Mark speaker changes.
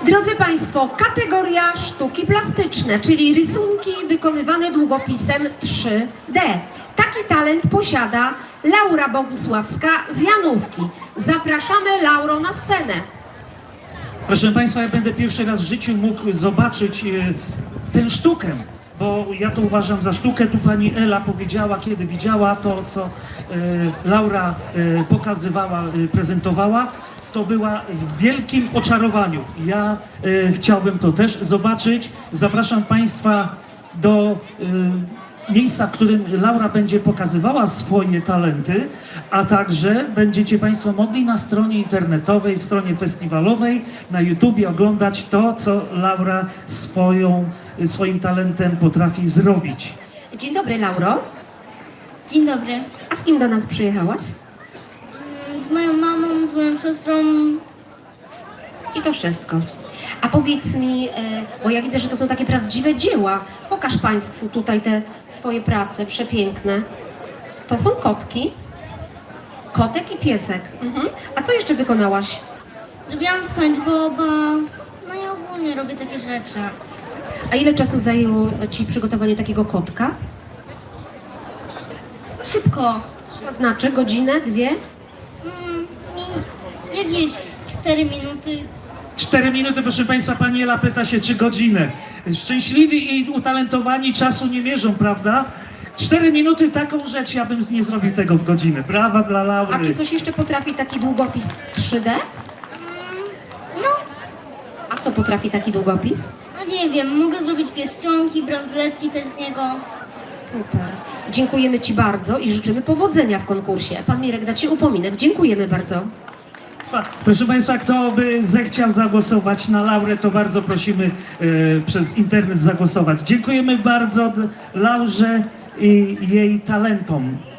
Speaker 1: Drodzy Państwo, kategoria sztuki plastyczne, czyli rysunki wykonywane długopisem 3D. Taki talent posiada Laura Bogusławska z Janówki. Zapraszamy Lauro na scenę.
Speaker 2: Proszę Państwa, ja będę pierwszy raz w życiu mógł zobaczyć tę sztukę, bo ja to uważam za sztukę. Tu pani Ela powiedziała, kiedy widziała to, co Laura pokazywała, prezentowała, to była w wielkim oczarowaniu. Ja chciałbym to też zobaczyć. Zapraszam Państwa do miejsca, w którym Laura będzie pokazywała swoje talenty, a także będziecie Państwo mogli na stronie internetowej, stronie festiwalowej, na YouTubie oglądać to, co Laura swoim talentem potrafi zrobić.
Speaker 1: Dzień dobry, Lauro.
Speaker 3: Dzień dobry.
Speaker 1: A z kim do nas przyjechałaś?
Speaker 3: Z moją mamą, z moją siostrą.
Speaker 1: I to wszystko. A powiedz mi, bo ja widzę, że to są takie prawdziwe dzieła. Pokaż Państwu tutaj te swoje prace przepiękne. To są kotki. Kotek i piesek. A co jeszcze wykonałaś?
Speaker 3: Robiłam SpongeBoba. No i ogólnie robię takie rzeczy.
Speaker 1: A ile czasu zajęło Ci przygotowanie takiego kotka?
Speaker 3: Szybko.
Speaker 1: To znaczy godzinę, dwie?
Speaker 3: Jakieś 4 minuty.
Speaker 2: 4 minuty, proszę Państwa, pani Ela pyta się, czy godzinę. Szczęśliwi i utalentowani czasu nie mierzą, prawda? 4 minuty, taką rzecz, ja bym nie zrobił tego w godzinę. Brawa dla Laury.
Speaker 1: A czy coś jeszcze potrafi taki długopis 3D?
Speaker 3: No,
Speaker 1: A co potrafi taki długopis?
Speaker 3: no nie wiem, mogę zrobić pierścionki, bransoletki też z niego.
Speaker 1: Super. Dziękujemy Ci bardzo i życzymy powodzenia w konkursie. Pan Mirek da Ci upominek. Dziękujemy bardzo.
Speaker 2: Proszę Państwa, kto by zechciał zagłosować na Laurę, to bardzo prosimy przez internet zagłosować. Dziękujemy bardzo Laurze i jej talentom.